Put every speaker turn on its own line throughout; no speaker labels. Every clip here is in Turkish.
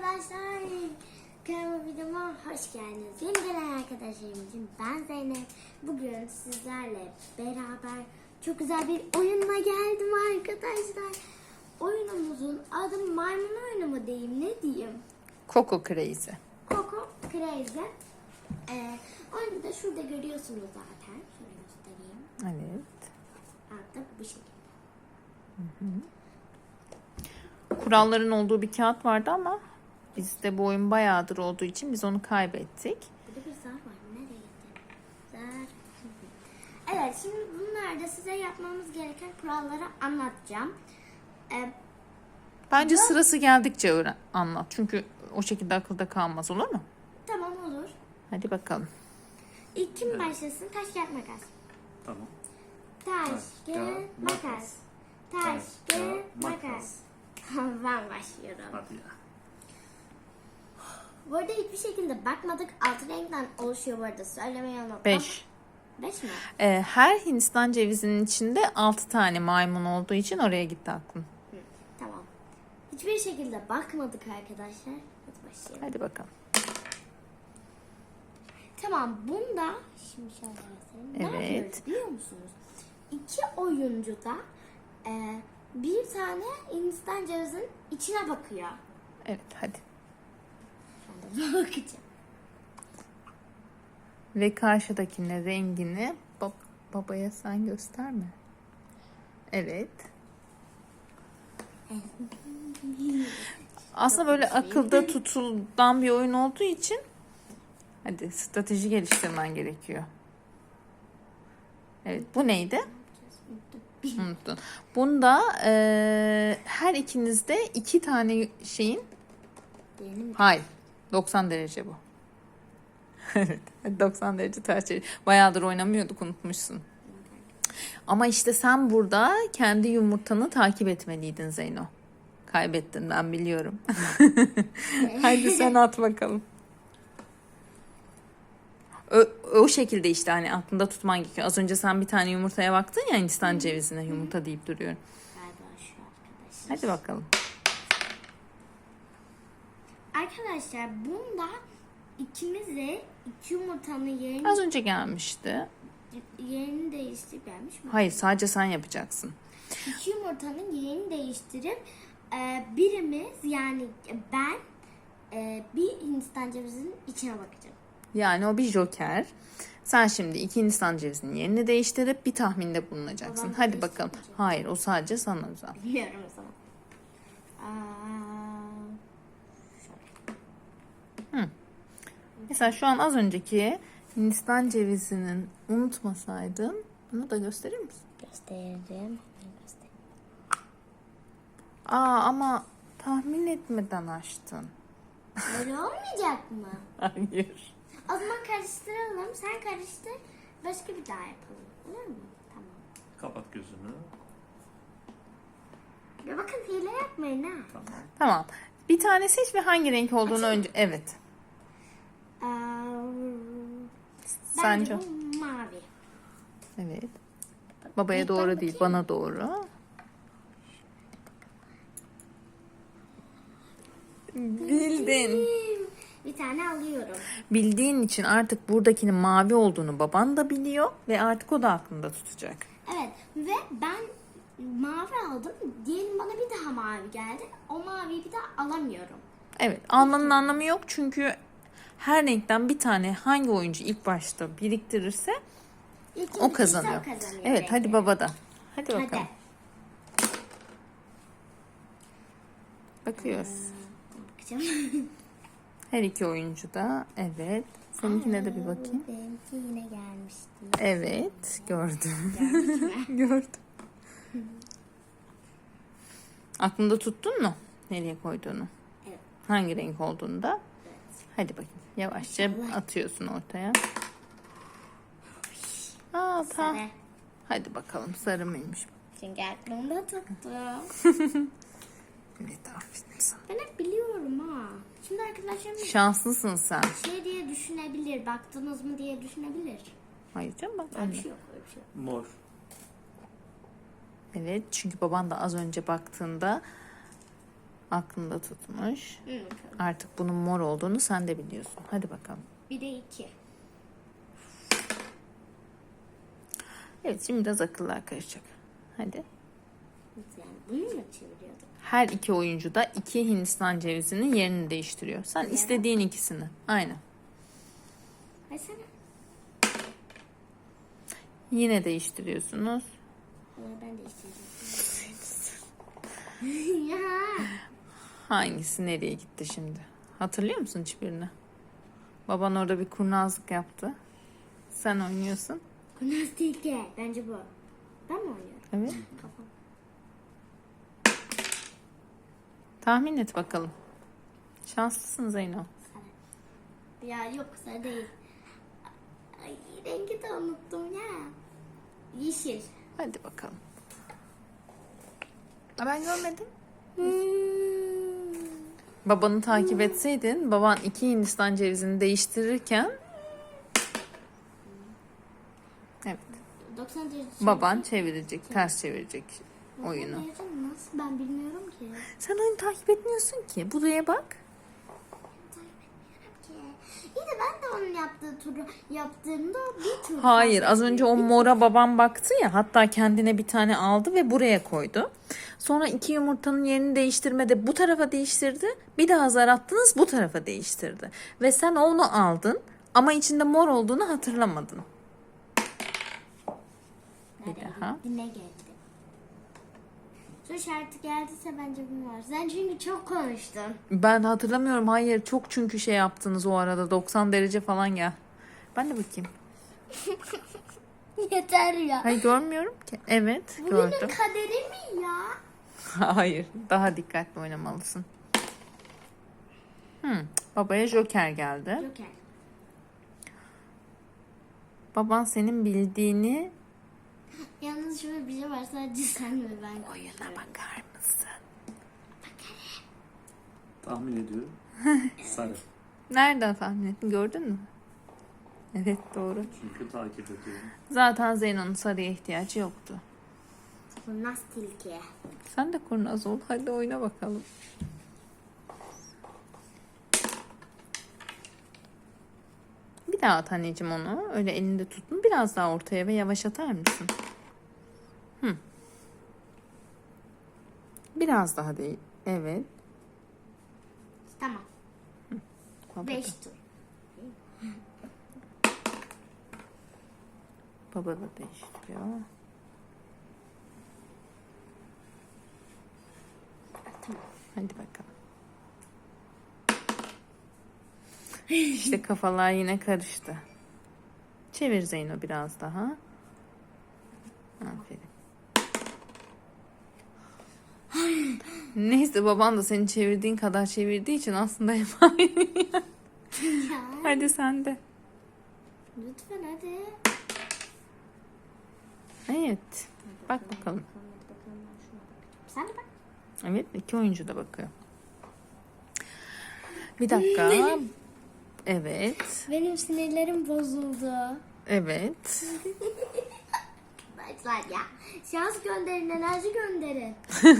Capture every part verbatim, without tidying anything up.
arkadaşlar, kanalıma videoma hoş geldiniz. Yeni gelen arkadaşlarım için ben Zeynep. Bugün sizlerle beraber çok güzel bir oyunla geldim arkadaşlar. Oyunumuzun adı maymun oyunu mu diyeyim, ne diyeyim?
Coco Crazy.
Coco Crazy. Ee, oyunu da şurada görüyorsunuz zaten. Şöyle göstereyim.
Evet.
Altta bu şekilde.
Hı hı. Kuralların olduğu bir kağıt vardı ama bizde bu oyun bayağıdır olduğu için biz onu kaybettik.
Burada bir zar var. Nereye gitti? Zar. Evet, şimdi bunlarda size yapmamız gereken kuralları anlatacağım. Ee,
Bence
bu...
sırası geldikçe öğren, anlat. Çünkü o şekilde akılda kalmaz, olur mu?
Tamam, olur.
Hadi bakalım.
İlk kim başlasın? Taş, kağıt, makas.
Tamam.
Taş, kağıt, makas. Taş, kağıt, makas. Ben başlıyorum.
Hadi ya.
Bu arada hiçbir şekilde bakmadık. Altı renkten oluşuyor bu arada. Söylemeyi unuttum.
Beş.
Beş mi?
Ee, her Hindistan cevizinin içinde altı tane maymun olduğu için oraya gitti aklım.
Hı, tamam. Hiçbir şekilde bakmadık arkadaşlar. Hadi başlayalım.
Hadi bakalım.
Tamam, bunda şimdi şöyle göstereyim. Ne
Evet.
yapıyoruz biliyor musunuz? İki oyuncu da e, bir tane Hindistan cevizinin içine bakıyor.
Evet, hadi.
Ben de bakacağım.
Ve karşıdakine rengini bab- babaya sen gösterme. Evet. Aslında böyle akılda tutulan bir oyun olduğu için hadi strateji geliştirmen gerekiyor. Evet, bu neydi? Unuttun. Bunda eee, her ikinizde iki tane şeyin
Diğerini mi?
hayır doksan derece bu. Evet, doksan derece ters çevir. Bayağıdır oynamıyorduk, unutmuşsun. Ama işte sen burada kendi yumurtanı takip etmeliydin Zeyno. Kaybettin, ben biliyorum. Haydi sen at bakalım. O, o şekilde işte hani aklında tutman gerekiyor. Az önce sen bir tane yumurtaya baktın ya, Hindistan cevizine yumurta deyip duruyorum.
Galiba şu arkadaşlar.
Hadi bakalım.
Arkadaşlar bunda ikimiz de iki yumurtanın yerini,
Az önce gelmişti.
yerini değiştirip gelmiş mi?
Hayır, sadece sen yapacaksın.
İki yumurtanın yerini değiştirip e, birimiz, yani ben e, bir Hindistan cevizinin içine bakacağım.
Yani o bir joker. Sen şimdi iki Hindistan cevizinin yerini değiştirip bir tahminde bulunacaksın.
Babam
Hadi bakalım.
değiştirmeyecek.
Hayır, o sadece sana özel.
Biliyorum o zaman. Aa,
Mesela şu an az önceki Hindistan cevizinin unutmasaydın, bunu da gösterir misin?
gösterdim.
Aa, ama tahmin etmeden açtın.
Böyle olmayacak mı?
Hayır.
O zaman karıştıralım. Sen karıştır. Başka bir daha yapalım. Olur mu? Tamam.
Kapat gözünü.
Ya bakın, hile yapmayın ha.
Tamam.
Tamam. Bir tane seç ve hangi renk olduğunu önce... Evet.
Aa,
Sence?
bence bu mavi.
Evet. Babaya
İlk
doğru
ben
değil,
bakayım.
bana doğru. Bildin.
Bir tane alıyorum.
Bildiğin için artık buradakinin mavi olduğunu baban da biliyor ve artık o da aklında tutacak.
Evet ve ben mavi aldım. Diyelim bana bir daha mavi geldi. O maviyi bir daha alamıyorum.
Evet, almanın anlamı yok çünkü her renkten bir tane hangi oyuncu ilk başta biriktirirse
İlk
o kazanıyor.
kazanıyor
Evet,
belki.
hadi babada. Hadi bakalım.
Hadi.
Bakıyoruz.
Bakacağım.
Her iki oyuncu da evet. Seninkine de bir bakayım.
Benimki yine gelmişti.
Evet, gördüm.
Gördük mü?
Gördüm. Aklında tuttun mu nereye koyduğunu?
Evet.
Hangi renk olduğunu da?
Evet.
Hadi bakayım. Yavaşça atıyorsun ortaya. Aa, ta.
Sarı.
Hadi bakalım, sarı mıymış?
Çünkü aklımda tuttum.
Evet, aferin sana.
Ben hep biliyorum ha. Şimdi arkadaşlarım
Şanslısın sen.
şey diye düşünebilir. Baktınız mı diye düşünebilir.
Hayır canım, bak.
Öyle bir
önüne.
şey yok. Öyle bir şey yok.
Mor.
Evet, çünkü baban da az önce baktığında Aklında tutmuş.
Hı, bakalım.
Artık bunun mor olduğunu sen de biliyorsun. Hadi bakalım.
Bir de iki.
Evet, şimdi biraz akıllar karışacak. Hadi.
Yani bunu mu çeviriyorduk?
Her iki oyuncu da iki Hindistan cevizinin yerini değiştiriyor. Sen istediğin ikisini. Aynen.
Ay sana.
Yine değiştiriyorsunuz.
Ama ben de isteyeceğim. Ya.
Hangisi nereye gitti şimdi? Hatırlıyor musun hiçbirini? Baban orada bir kurnazlık yaptı. Sen oynuyorsun.
Kurnaz değil ki. Bence bu. Ben mi oynuyorum?
Evet.
Kafam.
Tahmin et bakalım. Şanslısın Zeyno.
Sarı. Ya yok sarı değil. Ay rengi de unuttum ya. Yeşil.
Hadi bakalım. Aa, ben görmedim.
Hmm.
Babanı takip etseydin, baban iki Hindistan cevizini değiştirirken evet,
doksan derece.
baban çevirecek, ters çevirecek oyunu.
doksan derece nasıl? Ben bilmiyorum ki.
Sen oyunu takip etmiyorsun ki. Buraya bak.
Ki. İyi de ben de onun yaptığı turu yaptığımda bir tur.
Hayır,
fazla
az önce o
bir-
mora babam baktı ya, hatta kendine bir tane aldı ve buraya koydu. Sonra iki yumurtanın yerini değiştirmede bu tarafa değiştirdi. Bir daha zar attınız, bu tarafa değiştirdi. Ve sen onu aldın ama içinde mor olduğunu hatırlamadın. Bir
Nereye
daha.
gitti, ne geldi? Şu şartı geldiyse bence bu var. Sen çünkü çok konuştun.
Ben hatırlamıyorum. Hayır, çok çünkü şey yaptınız o arada. doksan derece falan gel. Ben de bakayım.
Yeter ya.
Hayır, görmüyorum ki. Evet,
Bugünün
gördüm.
kaderi mi ya?
Hayır, daha dikkatli oynamalısın. Hmm, babaya Joker geldi.
Joker.
Baban senin bildiğini...
Yalnız şöyle bir şey var, sadece sen ve ben.
Oyuna bakar mısın?
Tahmin ediyorum. Sarı.
Nereden tahmin ettin? Gördün mü? Evet, doğru.
Çünkü takip ediyorum.
Zaten Zeyno'nun sarıya ihtiyacı yoktu.
Kurnaz tilki.
Sen de kurnaz ol. Hadi oyna bakalım. Bir daha at anneciğim onu. Öyle elinde tutun. Biraz daha ortaya ve yavaş atar mısın? Hı. Biraz daha değil. Evet.
Tamam.
Baba
Beş
da,
tur.
baba da değiştiriyor.
Tamam.
Hadi bakalım. İşte kafalar yine karıştı. Çevir Zeyno biraz daha. Aferin. Neyse, baban da seni çevirdiğin kadar çevirdiği için aslında hep aynı.
Ya.
Hadi sen de.
Lütfen hadi.
Evet. Bak bakalım.
Sen de bak.
Evet, iki oyuncu da bakıyor. Bir dakika. Evet.
Benim sinirlerim bozuldu.
Evet.
Arkadaşlar ya. Şans gönderin, enerji gönderin.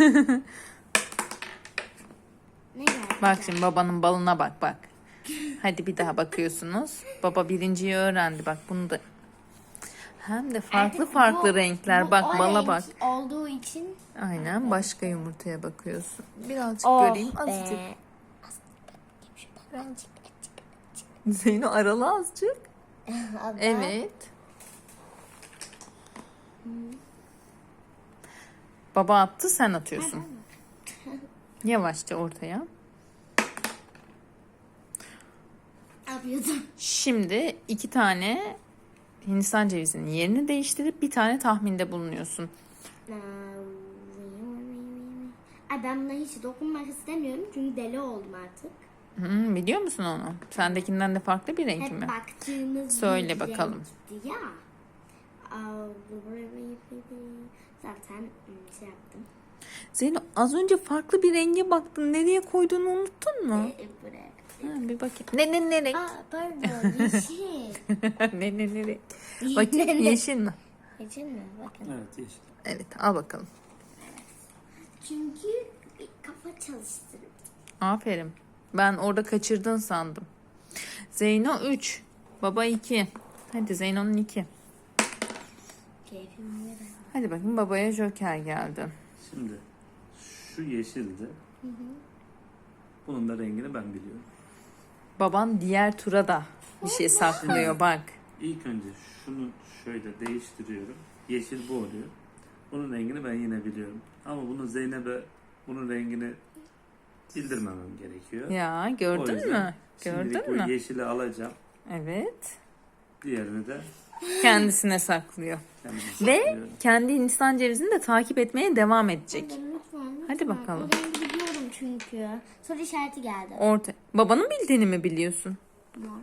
Ne geldi?
Bak şimdi babanın balına bak bak. Hadi bir daha bakıyorsunuz. Baba birinciyi öğrendi. Bak bunu da. Hem de farklı
Artık
farklı
bu-
renkler.
bu
Bak
o
bala
renk
bak.
olduğu için.
Aynen, başka yumurtaya bakıyorsun. Birazcık
Oh
göreyim azıcık.
be.
Zeyno aralı azıcık.
Abla.
Evet. Baba attı, sen atıyorsun. Yavaşça ortaya.
Ne yapıyordum?
Şimdi iki tane Hindistan cevizinin yerini değiştirip bir tane tahminde bulunuyorsun.
Ay ben buna hiç dokunmak istemiyorum çünkü deli oldum artık.
Hmm, biliyor musun onu? Sendekinden de farklı bir renk
Hep
mi?
baktığımız
Söyle
bir
bakalım.
renkti ya. Aa, zaten hmm, şey yaptım.
Zeyno, az önce farklı bir renge baktın. Nereye koyduğunu unuttun mu?
Ee, buraya.
Ha, bir bakayım. Ne ne ne renk?
Aa pardon yeşil.
ne ne ne renk? Bakayım, yeşil mi?
Yeşil mi? Bakın.
Evet yeşil.
Evet, al bakalım.
Çünkü bir kafa çalıştırın.
Aferin. Ben orada kaçırdın sandım. Zeyno üç. Baba iki. Hadi Zeyno'nun iki.
Keyfim yerine.
Hadi bakayım babaya joker geldi.
Şimdi şu yeşildi. Bunun da rengini ben biliyorum.
Baban diğer tura da bir şey saklıyor bak.
İlk önce şunu şöyle değiştiriyorum. Yeşil bu oluyor. Bunun rengini ben yine biliyorum. Ama bunu Zeynep'e bunun rengini bildirmemem gerekiyor.
Ya
O
gördün
yüzden
mü?
şimdilik
Gördün
bu
mü?
yeşili alacağım.
Evet.
Diğerini de
Kendisine saklıyor.
kendime
Ve
saklıyorum.
kendi Hindistan cevizini de takip etmeye devam edecek.
Lütfen, lütfen.
Hadi bakalım.
O rengi biliyorum çünkü. Soru işareti geldi.
Orta. Babanın bildiğini mi biliyorsun?
Mor.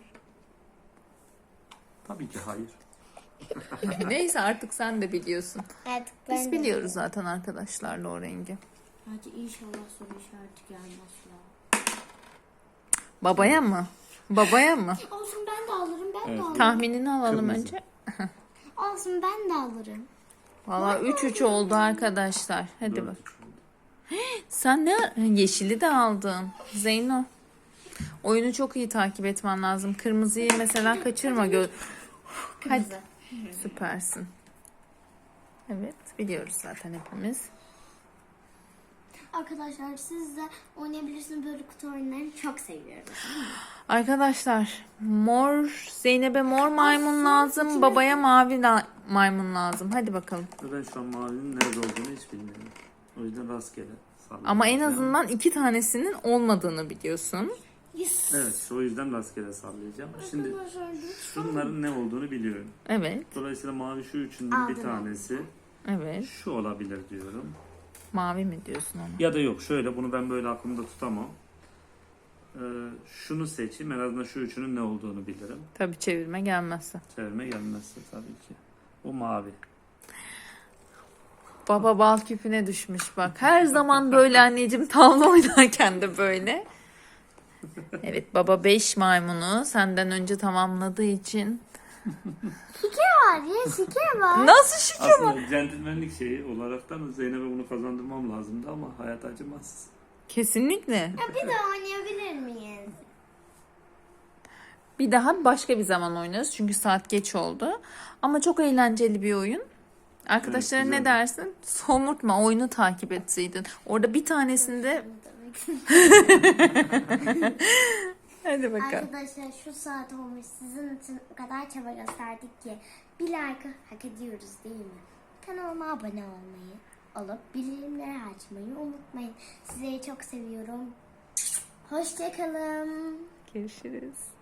Tabii ki hayır.
Neyse artık sen de biliyorsun.
Evet,
Biz biliyoruz zaten arkadaşlarla o rengi.
Hadi inşallah soru işareti gelmez ya.
Babaya mı? Babaya mı?
Olsun ben de alırım, ben
Evet.
de alırım.
Tahminini alalım
Kırmızı.
önce.
Olsun ben de alırım.
Valla üç üç oldu arkadaşlar. Hadi
Dört
bak.
üç oldu.
Sen ne? Yeşili de aldın. Zeyno. Oyunu çok iyi takip etmen lazım. Kırmızıyı mesela kaçırma. Gö Hadi.
Kırmızı.
Süpersin. Evet biliyoruz zaten hepimiz.
Arkadaşlar siz de oynayabilirsiniz, böyle kutu oyunlarını çok seviyorum.
Arkadaşlar mor Zeynep'e mor maymun lazım. Babaya mavi la- maymun lazım. Hadi bakalım.
Ve ben şu an mavinin nerede olduğunu hiç bilmiyorum. O yüzden rastgele sallıyorum.
Ama en azından iki tanesinin olmadığını biliyorsun.
Yes.
Evet, o yüzden rastgele sallayacağım. Şimdi
Arkadaşlar,
şunların ne olduğunu biliyorum.
Evet.
Dolayısıyla mavi şu üçünden bir
Aldım.
tanesi.
Evet.
Şu olabilir diyorum.
Mavi mi diyorsun ona?
Ya da yok, şöyle bunu ben böyle aklımda tutamam. Ee, şunu seçeyim, en azından şu üçünün ne olduğunu bilirim.
Tabii çevirme gelmezse.
Çevirme gelmezse tabii ki. O mavi.
Baba bal küpüne düşmüş bak. Her zaman böyle anneciğim, tavla oynarken de böyle. Evet baba beş maymunu senden önce tamamladığı için.
Şeker var ya, şeker var.
Nasıl şükür?
Aslında centilmenlik şeyi olaraktan Zeynep'e bunu kazandırmam lazımdı ama hayat acımaz.
Kesinlikle.
Ya bir daha oynayabilir miyiz?
Bir daha başka bir zaman oynarız çünkü saat geç oldu. Ama çok eğlenceli bir oyun. Arkadaşlara
Evet,
ne
güzeldi.
dersin? Somurtma, oyunu takip etseydin. Orada bir tanesinde... Hadi bakalım.
Arkadaşlar şu saat olmuş, sizin için o kadar çaba gösterdik ki bir like hak ediyoruz değil mi? Kanalıma abone olmayı, olup bildirimleri açmayı unutmayın. Sizleri çok seviyorum. Hoşçakalın.
Görüşürüz.